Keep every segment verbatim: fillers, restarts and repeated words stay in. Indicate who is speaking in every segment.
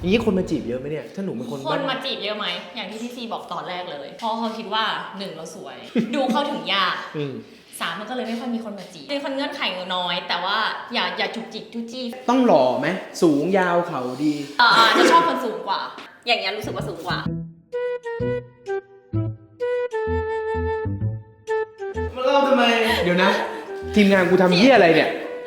Speaker 1: อย่างนี้คนมาจีบเยอะไหมเนี่ยถ้าหนูเป็นคน
Speaker 2: คนมาจีบเยอะไหมอย่างที่พี่ซีบอกตอนแรกเลยเพราะเขาคิดว่าหนึ่งเราสวย ดูเข้าถึงยากสามมันก็เลยไม่ค่อยมีคนมาจีบเป็นคนเงื่อนไขน้อย แต่ว่าอย่าอย่าจุกจิกจุจี้
Speaker 1: ต้องหล่อไหมสูงยาวเข่าดี
Speaker 2: อ่าจะชอบคนสูงกว่าอย่างเงี้ยรู้สึกว่าสูงกว่า
Speaker 1: มาเล่าทำไมเดี๋ยวนะทีมงานกูทำเหี้ยอะไรเนี่ย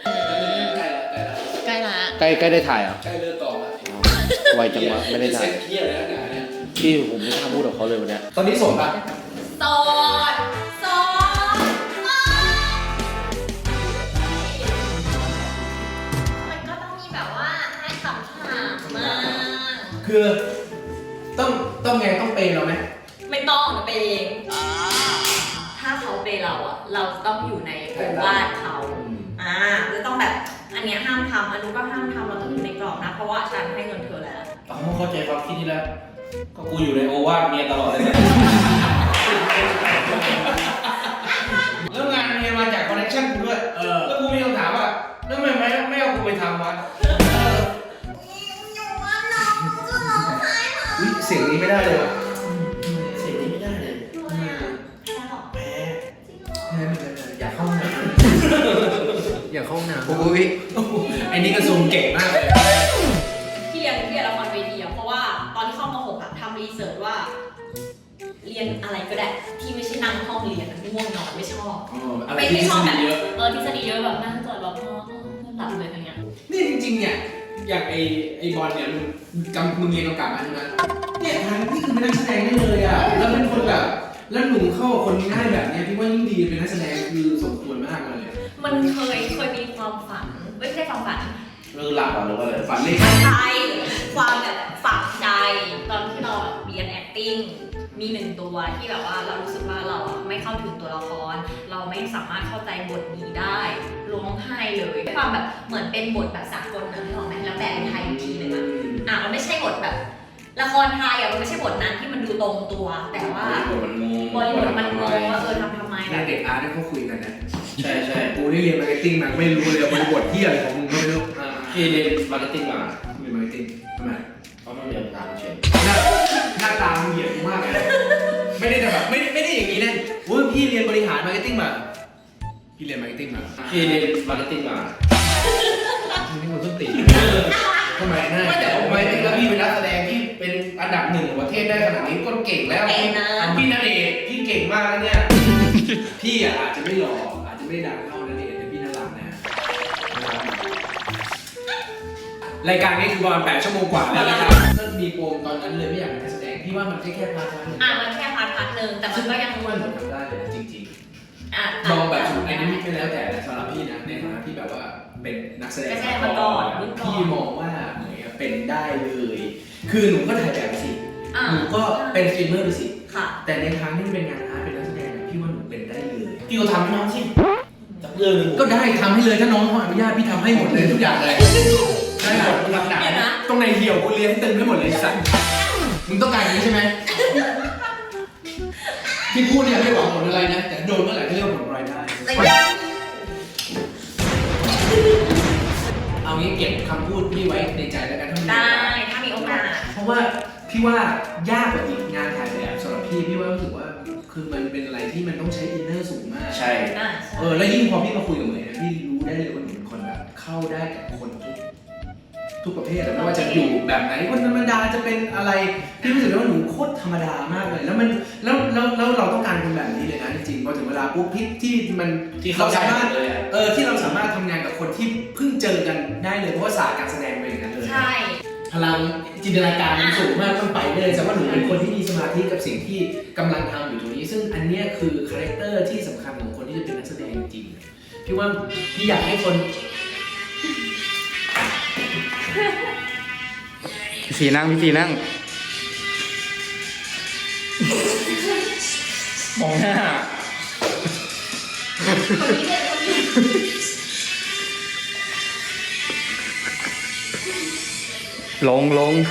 Speaker 2: ใกล้ละ
Speaker 1: ใกล้ใกล้ได้ถ่ายอ่ะ
Speaker 3: ใกล้เลิกกองแล้ว
Speaker 1: ไวจังวะไม่ได้ถ่าย
Speaker 3: เหี้ยอะไรนักหนาเนี่ย
Speaker 1: พี่ผมไม่กล้าพูดกับเขาเลยวันนี้
Speaker 3: ตอนนี้โสดป่ะ
Speaker 2: โสดโสดมันก็ต้องมีแบบว่าให้คำถามมา
Speaker 1: คือต้องต้องไงต้องเปย์เราไหม
Speaker 2: ไม่ต้องนะเปย์ถ้าเขาเปย์เราอะเราต้องอยู่ในโอวาทเขาอ่าจะต้องแบบอันเนี้ยห้ามทำอันนู้นก็ห้ามทำเราต้องอยู่ในกรอบนะเพราะว่าฉันให้เงินเธอแล้ว
Speaker 3: อ๋อเข้าใจความคิดนี้แล้วก็กูอยู่ในโอวาทเมียตลอดเลยเนี่ยแล้วงานเมียมาจากคอนเนคชั่นกูด้วยเออแล้วกูมีคำถามว่าแล้วทำไมไม่ไม่เอากูไปทำวะ
Speaker 1: เสียงนี้ไม่ได้เลย
Speaker 3: เสียงนี้ไม่ได้เลย
Speaker 1: แพ้แพ้ไม่ได้เลยอยากเข้าห้องน้ำอยากเข้าห้องน้ำโอ้ย
Speaker 3: ไอ้นี่ก็ซูมเก่งมากเลย
Speaker 2: ที่เรียนที่เรียนละครเวทีอะเพราะว่าตอนที่เข้ามหกอะทำรีเสิร์ชว่าเรียนอะไรก็ได้ที่ไม่ใช่นั่งห้องเรียนง่วงนอนไม่ชอบไม่ไม่ชอบแบบเออทฤษฎีเยอะแบบนั่งจอดแบบพอหลับเลยอย่างเงี้ย
Speaker 3: นี่จริงๆเนี่ยอย่างไอไอบอลเนี่ยมึงกำมึงเรียนกำกับมาใช่ไหมเนี่ยทางนี่คือเป็นนักแสดงได้เลยอ่ะแล้วเป็นคนแบบแล้วหนุ่มเข้าคนง่ายแบบเนี้ยพี่ว่ายิ่งดีเป็นนักแสดงคือสมควรมากเลย
Speaker 2: มันเคยเคยมีความฝันไม่ใช่ความฝัน
Speaker 3: เรื่องหลับหรือว่าอะไรฝันเล็ก
Speaker 2: ใจความแบบฝังใจตอนที่เราเรียน acting มีหนึ่งตัวที่แบบว่าเรารู้สึกว่าเราไม่เข้าถึงตัวละครเราไม่สามารถเข้าใจบทนี้ได้ร้องไห้เลยความแบบเหมือนเป็นบทแบบสากลนะที่บอกไหมแล้วแปลเป็นไทยอีกทีนึงอ่ะอ่ะมันไม่ใช่บทแบบละครไทยอ่ะมันไม่ใช่บทนั้นที่มันดูตรงตัวแต่ว่า
Speaker 3: บทมันงง
Speaker 2: บทมันงงว่าเออทำทำไม
Speaker 1: แบบเด็กอาร์ตเขาคุยกันนะ
Speaker 3: ใช่ใช่
Speaker 1: กูนี่เรียนมาร์เก็ตติ้งมาไม่รู้เลยบริบทที่อะไรของมึงก็ไม่รู้
Speaker 3: พี่เรียนมาร์เก็ตติ้งมา
Speaker 1: เรียนมาร์เก็ตติ้งทำไม
Speaker 3: เพราะมันเรียนตามเฉย
Speaker 1: หน้าตามึงเหยียดมากเลยไม่ได้แต่แบบไม่ไม่ได้อย่างนี้นะว่าพี่เรียนบริหารมาร์เก็ตติ้งมาพี่เรียนมาร์เก็ตติ้งมา
Speaker 3: พี่เรียนมาร์เก็ตติ้งมา
Speaker 1: นี่มันต้นตีทำไม
Speaker 3: นะไม่แต่ทำไมแล้วพี่เป็นนักแสดงที่เป็นอันดับหนึ่งของประเทศได้ขนาดนี้ก็เก่งแล้วพี่ณเดชน์พี่เก่งมากแล้วเนี่ย
Speaker 1: พี่อ่ะอาจจะไม่หล่ออาจจะไม่ดังเท่าณเดชน์แต่พี่น่ารักนะรายการนี้คือประมาณแปดชั่วโมงกว่าแล้วนะครับก็มีโปมตอนนั้นเลยไม่อยากเป็นนักแสดงพี่ว่ามันแค่แค่พาร์ทพาร์ทนึง
Speaker 2: อ่ะมันแค่พาร์ทพาร์ทนึงแต่มันก็ยัง
Speaker 1: มันทำได้เลยจริงๆมองแบบไอ้นี่ไม่แล้วแต่สำหรับพี่นะในฐานะที่แบบว่าเป็นนักแสดง
Speaker 2: มาก่อน
Speaker 1: พี่มองว่าเป็นได้เลยคือหนูก็ถ่ายแบบไปสิหนูก็เป็นสตรีมเมอร์ไปสิแต่ในทางที่เป็นงานอาร์ตเป็นนักแสดงพี่ว่าหนูเป็นได้เลย
Speaker 3: พี่ก็ทำให้น้องสิจับเรื่องนึง
Speaker 1: ก็ได้ทำให้เลยถ้าน้องเขาอนุญาตพี่ทำให้หมดเลยทุกอย่างเลย
Speaker 3: ได้หมดหลักฐาน
Speaker 1: ตรงในเหี่ยวกูเลี้ยงตึงให้หมดเลยสัตว์มึงต้องการอย่างนี้ใช่ไหมที่พูดเนี่ยไม่หวังผลอะไรนะแต่โดนเมื่อไหร่ก็เรียกว่าผลรายได้เอางี้เก็บคำพูดพี่ไว้ในใจแล้วกันถ้ามี
Speaker 2: ได้ถ้ามีโอกาส
Speaker 1: เพราะว่าพี่ว่ายากกว่าอีกงานถ่ายแบบสำหรับพี่พี่ว่ารู้สึกว่าคือมันเป็นอะไรที่มันต้องใช้อินเนอร์สูงมาก
Speaker 3: ใช่
Speaker 1: เออแล้วยิ่งพอพี่มาคุยกับเหมยนะพี่รู้ได้เลยว่าหนูเป็นคนแบบเข้าได้กับคนทุกทุกประเภทไม่ว่าจะอยู่แบบไหนคนธรรมดาจะเป็นอะไรพี่รู้สึกว่าหนูโคตรธรรมดามากเลยแล้วมันแล้วแล้วแล้วเราต้องการคนแบบนี้เลยนะจริงๆพอถึงเวลาปุ๊บที่ที่มัน
Speaker 3: ที่เราสามารถ
Speaker 1: เออที่เราสามารถทำงานกับคนที่เพิ่งเจอกันได้เลยเพราะว่าศาสตร์การแสดงเป็นอย่างนั้นเลย
Speaker 2: ใช่
Speaker 1: พลังจินตนาการมันสูงมากต้องไปเลยแต่ว่าหนูเป็นคนที่มีสมาธิกับสิ่งที่กำลังทำอยู่ตรงนี้ซึ่งอันนี้คือคาแรคเตอร์ที่สำคัญของคนที่จะเป็นนักแสดงจริงพี่ว่าพี่อยากให้คน
Speaker 4: พี่สีนั่งพี่สีนั่งมองหน้าลงลง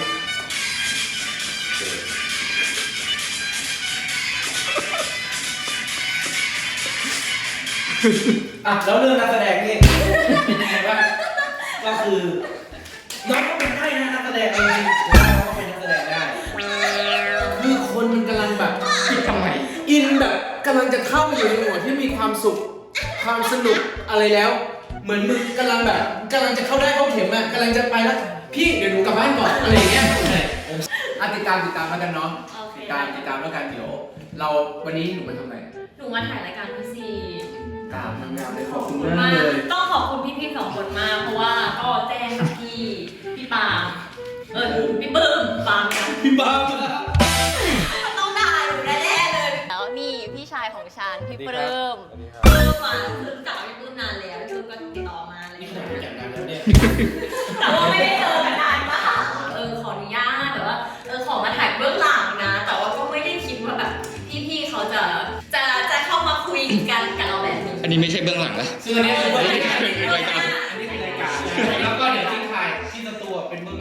Speaker 3: อ่ะแล้วเรื่องนักแสดงนี่เป็นยังไงบ้างก็คือ
Speaker 1: น้องก็เป็นได้นะนักแสดงเองน้องก็เป็นนักแสดงได้คือคนมันกำลังแบบ
Speaker 4: คิดทำไม
Speaker 1: อินแบบกำลังจะเข้าไปอยู่ในโหมดที่มีความสุขความสนุกอะไรแล้ว เหมือนมึงกำลังแบบกำลังจะเข้าได้เข้าเข็มอ่ะกำลังจะไปแล้วพี่เดี๋ยวหนูกลับบ้านก่อนอะไรอย่างเงี้ยอ่ะติดตามติดตามแล้วกันเนาะ
Speaker 2: โอเค
Speaker 1: ติดตามติดตามแล้วกันเดี๋ยว เราวันนี้หนูมาทำอะไร
Speaker 2: หนูมาถ่ายรายการพี่ซี
Speaker 1: ตามทำงานเลยขอบคุณ
Speaker 2: ขอบคุณ
Speaker 1: มาม
Speaker 2: าก ก
Speaker 1: เลย
Speaker 2: ต้องขอบคุณพี่ๆสองคนมากเพราะว่าก็แจ้งกับพี่พี่ปาล์มเออพี่เบิ้มปาล์มนะ
Speaker 1: พี่บ้า
Speaker 2: มันต้องด่าอยู่แน่ๆเลยแล้วนี่พี่ชายของฉันพี่เบิ้มเบิ้มอ่ะคือรู้จักกับพี่เบิ้มนานแล้วพี่เบิ้มก็ติดต่อมาอะไร
Speaker 1: นี่
Speaker 2: อย่าง
Speaker 1: ขนาด
Speaker 2: เงี้
Speaker 1: รู้
Speaker 2: ย
Speaker 1: จักกันแล้วเนี่ย
Speaker 2: แต่ว่าไม่ได้เจอกันนานมากเออขออนุญาตแต่ว่าเออขอมาถ่ายเบื้องหลังนะ แต่ว่าก็ไม่ได้คิดว่าแบบพี่ๆเขาจะจะจะเข้ามาคุยกันกับเราแบบนี้
Speaker 4: อันนี้ไม่ใช่เบื้องหลังนะ
Speaker 1: ซึ่งอันนี้คือรายการ
Speaker 4: เป็นรายการ
Speaker 1: อันนี้คือรายการแล้วก็เดี๋ยวทิ้งท้ายที่สตูเป็นมึง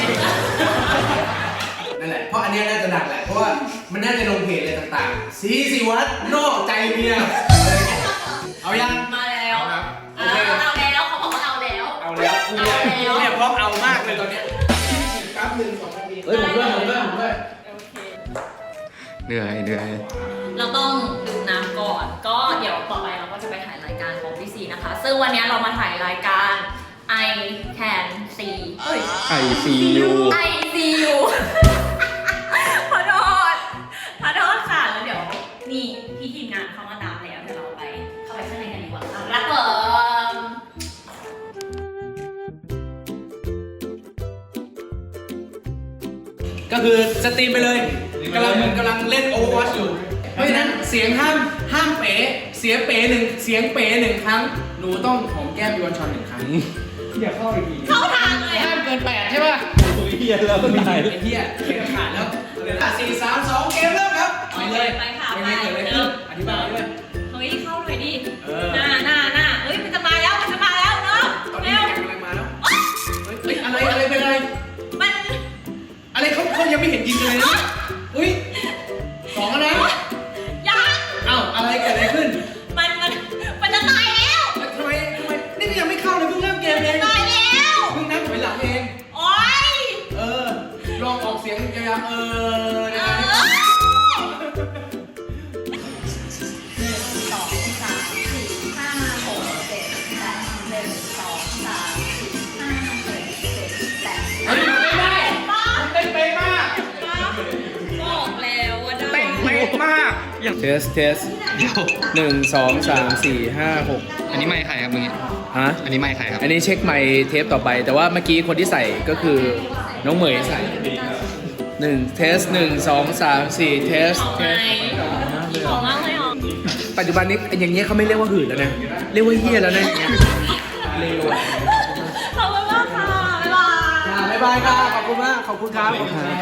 Speaker 1: นั่นแหละเพราะอันเนี้ยน่าจะหนักแหละเพราะว่ามันน่าจะลงเพจอะไรต่างๆสีสิวัดนอกใจเมียอะไรเงี้ยเอายัง
Speaker 2: มาแล้ว
Speaker 1: ครับโอ
Speaker 2: เอา
Speaker 1: เค
Speaker 2: เอาแล้วเขาบอกว่าเอาแล้ว
Speaker 1: เอาแล้วกูเนี่ย
Speaker 2: เอาแล้ว
Speaker 1: กูเนี่ยพร้อมเอามากเลยตอนเนี้ยแป๊บหนึ่งสองนาทีเฮ้ยผมด้วยผมด้วยผมด้วย
Speaker 2: โอเค
Speaker 4: เหนื่อยเหนื่อย
Speaker 2: เราต้องดื่มน้ำก่อน ก็เดี๋ยวต่อไปเราก็จะไปถ่ายรายการของพี่ซีนะคะ ซึ่งวันนี้เรามาถ่ายรายการ I Can See เอ้ย
Speaker 4: ไอซียู
Speaker 2: I See You ขอโทษขอโทษค่ะ แล้วเดี๋ยวนี่พี่ทีมงานเข้ามาตามแล้วเดี๋ยวเราไปเข้าไปข้างในกันดีกว่าค่ะรักเบิร์ม
Speaker 1: ก็คือสตรีมไปเลยกำลังเหมือนกำลังเล่น Overwatch อยู่ เพราะฉะนั้นเสียงห้ามห้ามเป๋เสียเป๋หนึ่งเสียงเป๋หนึ่งครั้ง หนูต้องหอมแก้มยวนชอนหนึ่งครั้ง
Speaker 3: อย่าเข้าอีกที
Speaker 2: เข้าทางเลย
Speaker 1: ห้า
Speaker 2: อะ
Speaker 1: มเกินแปดใช่ป่ะ
Speaker 3: โอ้ยเฮียแล้วก็
Speaker 1: ไม่
Speaker 3: ได้
Speaker 1: ได้ไอ้เหี้ยเขียนขาดแล้วสี่สามสองเกมเริ่มครับไปเลย
Speaker 2: ไปค่ะ
Speaker 1: ไป
Speaker 2: ไป
Speaker 1: เลย
Speaker 2: ไป
Speaker 1: เกิดอะไร
Speaker 2: เริ่
Speaker 1: ขึ้น
Speaker 2: ม
Speaker 1: อธิบายด้วย
Speaker 2: เฮ้ยเข้าหน่อยดิ
Speaker 1: เออ
Speaker 2: หน้าหน้าหน้าเฮ้ยมันจะมาแล้วมันจะมาแล้วเนาะ
Speaker 1: ตอนนี้
Speaker 2: เร็ว
Speaker 1: แกกำลังมาแล้วเฮ้ยเฮ้ยอะไรอะไรเป็นอะไร
Speaker 2: มัน
Speaker 1: อะไรเขาเขายังไม่เห็นยิงกันเลยนะอุ้ยสองแล้วนะ
Speaker 2: ยัง
Speaker 1: เอ้าอะไรเกิดอะไรขึ้น
Speaker 2: มันมันมันจะตายแล้ว
Speaker 1: แล้วทำไมทำไมนี่ก็ยังไม่เข้าเลยเพิ่งเริ่มเกมเอง
Speaker 2: ตายแล้ว
Speaker 1: เพิ่งนับถอยหลังเอง
Speaker 2: โอ๊ย
Speaker 1: เออ ลองออกเสียงยาวๆเออ
Speaker 2: เอ
Speaker 1: นะ
Speaker 2: อ
Speaker 1: ครับ
Speaker 2: หนึ่งสองสามสี่ห้าหกเจ็ดแปดหนึ่งสองสามสี่ห้าหกเจ็ดแปด
Speaker 1: เฮ้ยมันไม่ได้มันเต้นเป๊ะมาก
Speaker 2: บอกแล้วว่าได้
Speaker 4: เต้นเป๊ะมากอย่าง
Speaker 3: เทสเทส
Speaker 4: เดี๋ยว
Speaker 3: หนึ่งสองสามสี่ห้าหก
Speaker 4: อันนี้ไม่ใครครับมึง
Speaker 3: ฮะ
Speaker 4: อันนี้ไม่ใครครับ
Speaker 3: อันนี้เช็คไมค์เทปต่อไป แต่ว่าเมื่อกี้คนที่ใส่ก็คือน้องเหมยใส่หนึ่งเทสหนึ่งสองสามสี่เทส
Speaker 2: ของ
Speaker 3: เท
Speaker 2: ไหม
Speaker 3: ส
Speaker 2: ของมากเลยเหรอ
Speaker 3: ปัจจุบันนี้อย่างเงี้ยเขาไม่เรียกว่าหื่นแล้วนะ เรียกว่าเฮี้ยแล้วนะอย่างเงี้ยเร็ว
Speaker 2: ขอบคุณมากค่ะ บ๊ายบาย
Speaker 1: บ๊ายบายค่ะขอบคุณมาก ขอบคุณครับ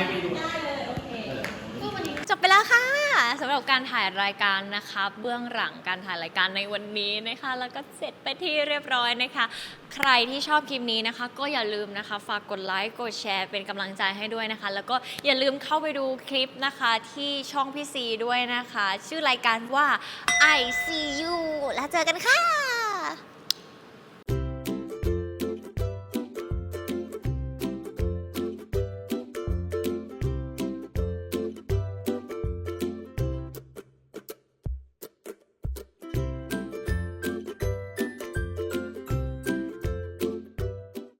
Speaker 2: จบไปแล้วค่ะสำหรับการถ่ายรายการนะคะเบื้องหลังการถ่ายรายการในวันนี้นะคะ แล้วก็เสร็จไปที่เรียบร้อยนะคะ ใครที่ชอบคลิปนี้นะคะ ก็อย่าลืมนะคะ ฝากกดไลค์กดแชร์เป็นกำลังใจให้ด้วยนะคะ แล้วก็อย่าลืมเข้าไปดูคลิปนะคะที่ช่องพี่ซีด้วยนะคะ ชื่อรายการว่า I See You แล้วเจอกันค่ะ